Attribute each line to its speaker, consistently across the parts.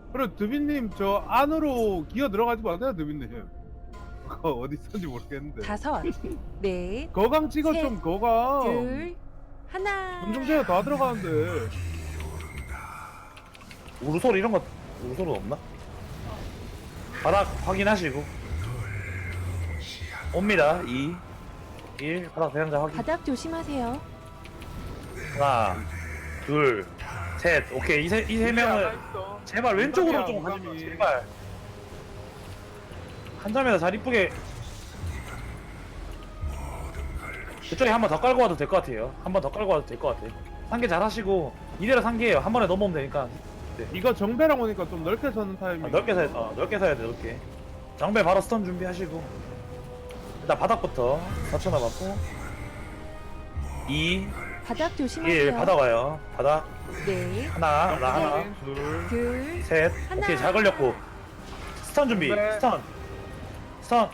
Speaker 1: 그래 드빈님 저 안으로 기어 들어가지 마세요 드빈님. 그거 어디 있었는지 모르겠는데.
Speaker 2: 5, 넷,
Speaker 1: 거강 찍어
Speaker 2: 셋,
Speaker 1: 좀 거강.
Speaker 2: 둘, 하나.
Speaker 1: 군중제가 다 들어가는데.
Speaker 3: 우르솔 이런 거 우르솔은 없나? 바닥 확인하시고 옵니다. 2 1 바닥 대상자 확인.
Speaker 2: 바닥 조심하세요.
Speaker 3: 하나 둘 셋. 오케이. 이 세 명을 제발 왼쪽으로 좀 가지 마. 제발 한 점에서 잘 이쁘게 그쪽에 한 번 더 깔고 와도 될 것 같아요. 한 번 더 깔고 와도 될 것 같아. 상계 잘 하시고 이대로 상계예요. 한 번에 넘어오면 되니까.
Speaker 1: 이거 정배랑 오니까 좀 넓게 서는 타이밍.
Speaker 3: 넓게 사야 넓게 사야 돼. 넓게 장배 바로 스턴 준비하시고 일단 바닥부터 4초 남았고 2
Speaker 2: 바닥
Speaker 3: 1
Speaker 2: 조심하세요.
Speaker 3: 바닥 와요. 바닥
Speaker 2: 넷,
Speaker 3: 하나 나 하나
Speaker 1: 둘.
Speaker 2: 둘,
Speaker 3: 셋.
Speaker 2: 하나.
Speaker 3: 오케이 잘 걸렸고 스턴 준비.
Speaker 1: 네.
Speaker 3: 스턴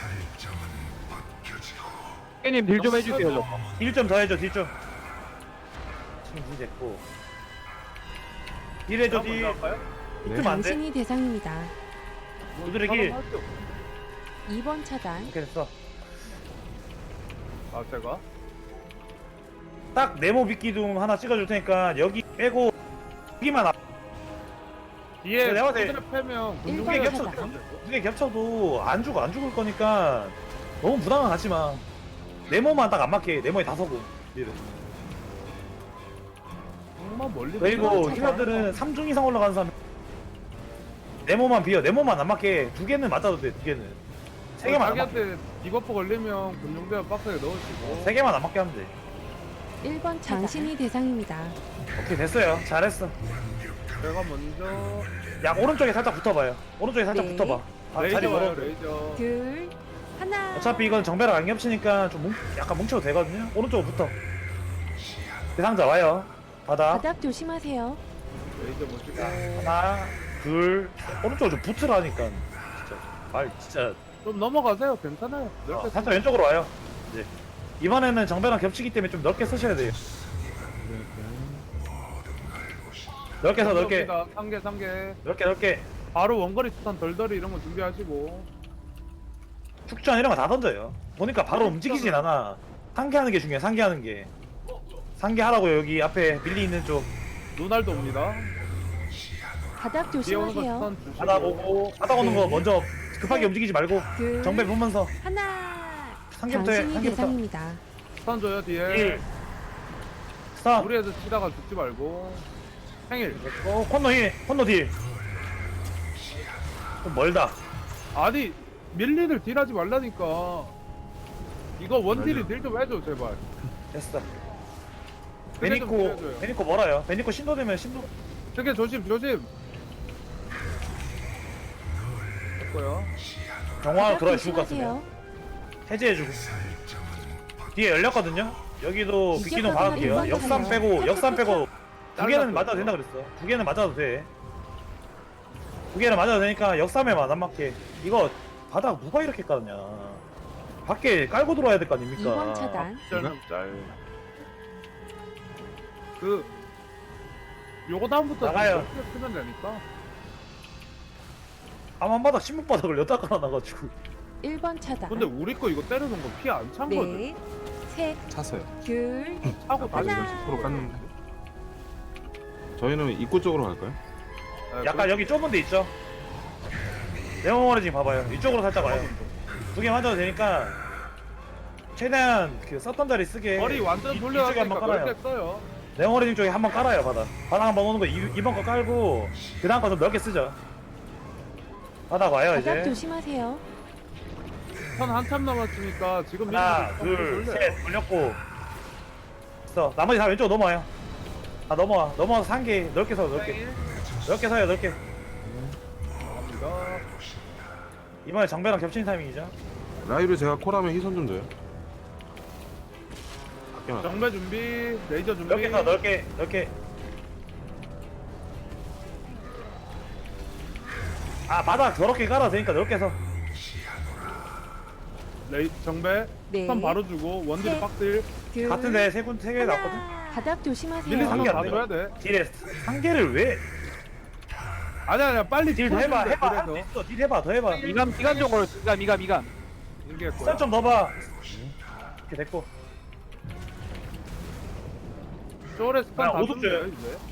Speaker 4: 님 딜 좀 해주세요 저거.
Speaker 3: 1점 더 해줘. 딜 좀. 지금 딜 됐고 딜 해줘. 딜 딜좀 안돼.
Speaker 2: 당신이 대상입니다.
Speaker 3: 우드의 길
Speaker 2: 2번 차단.
Speaker 3: 이렇게 됐어.
Speaker 1: 아 제가?
Speaker 3: 딱 네모 빗기둥 하나 찍어줄 테니까 여기 빼고 여기만
Speaker 1: 뒤에
Speaker 3: 내가 봤을 때
Speaker 1: 두드려 패면
Speaker 2: 일번
Speaker 3: 두개
Speaker 1: 군중제
Speaker 2: 차단.
Speaker 3: 겹쳐 두개 겹쳐도 안 죽을 거니까 너무 부담은 갖지 마. 네모만 딱 안 맞게 네모에 다 서고 얘를.
Speaker 1: 정말 멀리.
Speaker 3: 그리고
Speaker 2: 일번 차단.
Speaker 3: 힐러들은 3중 이상 올라가는 사람 네모만 비어. 네모만 안 맞게 두 개는 맞아도 돼. 두 개는 세 개만 안 맞게.
Speaker 1: 자기한테 디버프 걸리면 군중제 박스에 넣으시고.
Speaker 3: 세 개만 안 맞게 하면 돼.
Speaker 2: 1번 차단. 당신이 대상입니다.
Speaker 3: 오케이 됐어요. 잘했어.
Speaker 1: 제가 먼저
Speaker 3: 약 오른쪽에 살짝 붙어봐요. 오른쪽에 살짝
Speaker 2: 네.
Speaker 3: 붙어봐. 아, 자리
Speaker 1: 레이저 와요
Speaker 3: 멀어.
Speaker 1: 레이저.
Speaker 2: 둘, 하나.
Speaker 3: 어차피 이건 정배랑 안 겹치니까 좀 약간 뭉쳐도 되거든요. 오른쪽으로 붙어. 대상자 와요. 바닥.
Speaker 2: 바닥 조심하세요.
Speaker 1: 레이저 보시고.
Speaker 3: 하나, 둘. 오른쪽으로 좀 붙으라니까. 진짜. 말 진짜.
Speaker 1: 좀 넘어가세요. 괜찮아요. 넓게
Speaker 3: 살짝 왼쪽으로 와요. 이제. 이번에는 정배랑 겹치기 때문에 좀 넓게 쓰셔야 돼요. 넓게 서 넓게.
Speaker 1: 3개 3개.
Speaker 3: 넓게.
Speaker 1: 바로 원거리 스탄 덜덜이 이런 거 준비하시고.
Speaker 3: 축전 이런 거 다 던져요. 보니까 바로 움직이진 않아. 상계하는 게 중요해. 상계하는 게. 상계하라고요. 여기 앞에 밀리 있는 쪽.
Speaker 1: 루날도 옵니다.
Speaker 2: 바닥
Speaker 1: 뒤에 오는 거
Speaker 2: 조심하세요.
Speaker 1: 스탄 주시고.
Speaker 3: 바닥 오고 바닥 오는 거 먼저 급하게 움직이지 말고
Speaker 2: 둘,
Speaker 3: 정배 보면서
Speaker 2: 하나.
Speaker 3: 상계부터 해.
Speaker 2: 당신이
Speaker 3: 상계부터.
Speaker 2: 대상입니다.
Speaker 1: 스탄 줘요 뒤에.
Speaker 3: 1 스탑.
Speaker 1: 무리해서 치다가 죽지 말고. 생일.
Speaker 3: 콘노 힐. 콘노 딜. 좀 멀다.
Speaker 1: 아니 밀리를 딜하지 말라니까. 이거 원딜이 딜 좀 해줘 제발.
Speaker 3: 됐어.
Speaker 1: 그래 좀
Speaker 3: 베니코
Speaker 1: 빌려줘요.
Speaker 3: 베니코 멀어요. 베니코 신도 되면 신도.
Speaker 1: 저게 조심 조심. 됐고요.
Speaker 3: 경화로
Speaker 2: 바닥
Speaker 3: 들어야 죽을 것
Speaker 2: 조심하세요.
Speaker 3: 같으면 해제해주고. 뒤에 열렸거든요. 여기도
Speaker 2: 이제
Speaker 3: 빗기둥
Speaker 2: 바닥
Speaker 3: 박을게요.
Speaker 2: 일반
Speaker 3: 역삼
Speaker 2: 타요.
Speaker 3: 빼고 역삼 빼고 두 개는
Speaker 1: 잘랐어요.
Speaker 3: 맞아도 된다 그랬어. 두 개는 맞아도 돼. 두 개는 맞아도 되니까 역삼에만 안 맞게. 이거 바닥 누가 이렇게 깔았냐. 밖에 깔고 들어와야 될 거 아닙니까?
Speaker 2: 2번 차단.
Speaker 1: 짤. 그 요거 다음부터
Speaker 3: 나가요.
Speaker 1: 이렇게 쓰면 되니까.
Speaker 3: 암한바닥 신문바닥을 여기다 깔아놔가지고.
Speaker 2: 1번 차단.
Speaker 1: 근데 우리 거 이거 때리는 거 피 안 찬 거지.
Speaker 2: 넷, 셋,
Speaker 4: 찼어요.
Speaker 2: 둘,
Speaker 1: 차고
Speaker 4: 아직
Speaker 1: 달리는
Speaker 2: 하나.
Speaker 4: 10% 깠는데. 저희는 입구 쪽으로 갈까요?
Speaker 3: 약간 여기 좁은 데 있죠? 네모머리 지금 봐봐요. 이쪽으로 살짝 와요. 두 개 맞아도 되니까 최대한 그 썼던 자리 쓰게.
Speaker 1: 머리 완전
Speaker 3: 이쪽에
Speaker 1: 돌려놨으니까
Speaker 3: 한번 깔아요.
Speaker 1: 넓게 써요.
Speaker 3: 네모머리 쪽에 한번 깔아요. 바닥 한번 오는 거 이번 거 깔고 그 다음 거 좀 넓게 쓰죠. 바닥 와요
Speaker 2: 바닥
Speaker 3: 이제.
Speaker 2: 조심하세요.
Speaker 1: 선 한참 남았으니까 지금
Speaker 3: 하나
Speaker 1: 밀리는 거
Speaker 3: 둘셋 올렸고 있어. 나머지 다 왼쪽으로 넘어와요. 다 넘어와서 상계 넓게 서 넓게 서요. 넓게.
Speaker 1: 갑니다.
Speaker 3: 이번에 정배랑 겹치는 타이밍이죠.
Speaker 4: 라이브 제가 콜하면 희선 좀 줘요. 아껴놔.
Speaker 1: 정배 준비, 레이저 준비.
Speaker 3: 넓게 서 넓게. 아 바닥 더럽게 깔아도 되니까 넓게 서.
Speaker 1: 정배.
Speaker 2: 네.
Speaker 1: 선 바로 주고 원딜
Speaker 2: 셋.
Speaker 1: 박딜.
Speaker 2: 둘,
Speaker 3: 같은데 세 개 났거든.
Speaker 2: 하나. 바닥
Speaker 1: 밀리
Speaker 2: 조심하세요.
Speaker 3: 상계
Speaker 1: 상관
Speaker 3: 안 돼요.
Speaker 1: 봐줘야 돼.
Speaker 3: 딜에 상계를 왜
Speaker 1: 아니야 빨리
Speaker 3: 딜 더 해봐
Speaker 1: 풀어주는데,
Speaker 3: 해봐 할 수
Speaker 1: 그래서
Speaker 3: 있어 딜 해봐 더 해봐
Speaker 4: 미감 좀 걸어. 미감.
Speaker 1: 이게 거야.
Speaker 3: 쌀 좀 넣어봐 이렇게 됐고
Speaker 1: 쪼레 스판
Speaker 3: 야,
Speaker 1: 다
Speaker 3: 오숙 줘요.
Speaker 1: 줬는데, 이제.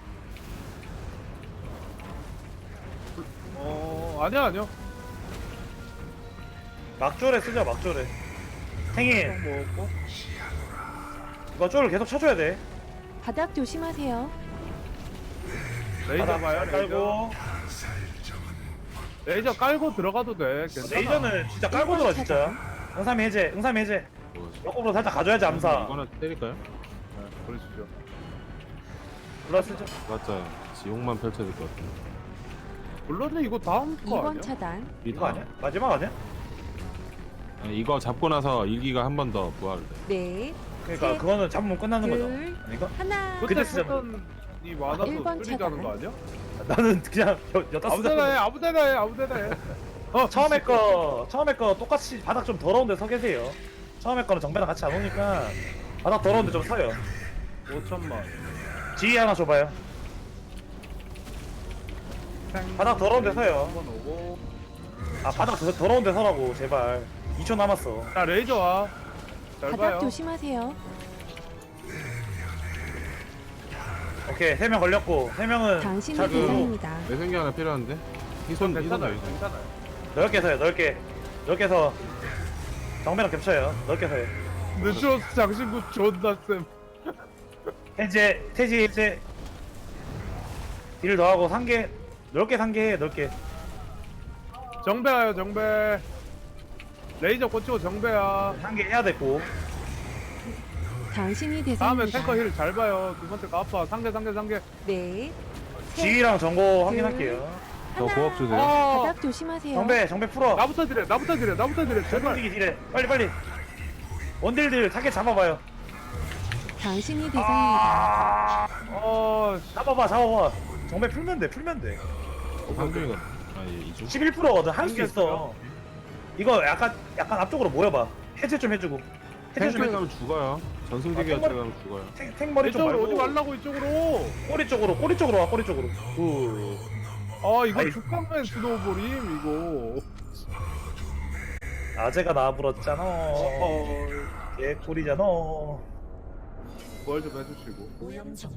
Speaker 1: 아니야.
Speaker 3: 막조래 쓰자 막조래 탱이
Speaker 1: 먹었고.
Speaker 3: 이거 쪼를 계속 쳐줘야 돼
Speaker 2: 바닥 조심하세요.
Speaker 1: 레이저
Speaker 3: 바닥
Speaker 1: 봐요,
Speaker 3: 잘
Speaker 1: 레이저.
Speaker 3: 깔고
Speaker 1: 레이저 깔고 들어가도 돼. 괜찮아.
Speaker 3: 레이저는 진짜 깔고 들어 진짜 응삼이 해제 역으로 살짝 가져야지 암사
Speaker 4: 이거나 때릴까요?
Speaker 1: 네, 그러시죠.
Speaker 3: 올라쓰죠
Speaker 4: 맞아요. 지옥만 펼쳐야 될 것 같아요.
Speaker 1: 물론 이거 다음 거
Speaker 2: 2번
Speaker 1: 아니야?
Speaker 2: 차단.
Speaker 3: 이거 아니야? 마지막 아니야?
Speaker 4: 아니, 이거 잡고 나서 일기가 한 번 더 부활을 돼.
Speaker 2: 넷,
Speaker 3: 그러니까
Speaker 2: 셋,
Speaker 3: 그거는 잡으면 끝나는 거죠
Speaker 2: 둘,
Speaker 3: 아닌가?
Speaker 2: 하나.
Speaker 3: 그때
Speaker 1: 그때
Speaker 3: 쓰자.
Speaker 1: 쓰던 이 많아서
Speaker 2: 일번
Speaker 1: 뚫리자는
Speaker 2: 차단.
Speaker 1: 거 아니야?
Speaker 3: 나는 그냥 여다
Speaker 1: 아무데나 해.
Speaker 3: 처음에 거 똑같이 바닥 좀 더러운데 서 계세요 처음에 거는 정배랑 같이 안 오니까 바닥 더러운데 좀 서요
Speaker 1: 5천만.
Speaker 3: 지휘 하나 줘봐요 바닥 더러운데 서요
Speaker 1: 한번 오고.
Speaker 3: 아 바닥 더러운데 서라고 제발 2초 남았어
Speaker 1: 자 레이저 와. 잘
Speaker 2: 바닥
Speaker 1: 봐요.
Speaker 2: 조심하세요.
Speaker 3: 오케이 3명 걸렸고 3명은
Speaker 2: 당신의
Speaker 3: 잘 들고
Speaker 2: 대상입니다.
Speaker 4: 내 생기 하나 필요한데? 희손
Speaker 1: 괜찮아요.
Speaker 4: 희손
Speaker 1: 괜찮아요.
Speaker 3: 넓게 서요 넓게 서 정배랑 겹쳐요 넓게 서요
Speaker 1: 늦었어 장신구 존나 쌤.
Speaker 3: 태지 해제 딜 더하고 상계 넓게 상계해 넓게
Speaker 1: 정배야요 정배. 레이저 꽂히고 정배야.
Speaker 3: 상계 해야 됐고
Speaker 2: 당신이
Speaker 1: 다음에
Speaker 2: 대상입니다.
Speaker 1: 탱커 힐 잘 봐요. 두 번째 거 아파. 상계.
Speaker 2: 넷,
Speaker 3: 지휘랑 정보 확인할게요
Speaker 4: 저 고업 주세요.
Speaker 1: 아
Speaker 2: 바닥 조심하세요.
Speaker 3: 정배 풀어
Speaker 1: 나부터 딜해. 제발.
Speaker 3: 전동기기 딜해 빨리 원딜들 타겟 잡아봐요
Speaker 2: 당신이 대상입니다.
Speaker 3: 잡아봐 정배 풀면 돼
Speaker 4: 상중이가 아니 이중.
Speaker 3: 11%거든 할 수 있어
Speaker 1: 생겼어요.
Speaker 3: 이거 약간 앞쪽으로 모여봐 해제 좀 해주고 해제 좀
Speaker 4: 탱크에
Speaker 3: 해주고
Speaker 4: 가면 죽어요. 전승대기
Speaker 3: 아,
Speaker 4: 같은 데 가면 죽어요.
Speaker 3: 탱머리 좀
Speaker 1: 이쪽으로
Speaker 3: 말고
Speaker 1: 오지 말라고 이쪽으로.
Speaker 3: 꼬리 쪽으로 와 꼬리 쪽으로
Speaker 1: 아 이거
Speaker 3: 아이.
Speaker 1: 죽방맨 스노우볼임 이거.
Speaker 3: 아재가 나불었잖아
Speaker 1: 어.
Speaker 3: 개꿀이잖아
Speaker 1: 부활 좀 해주시고.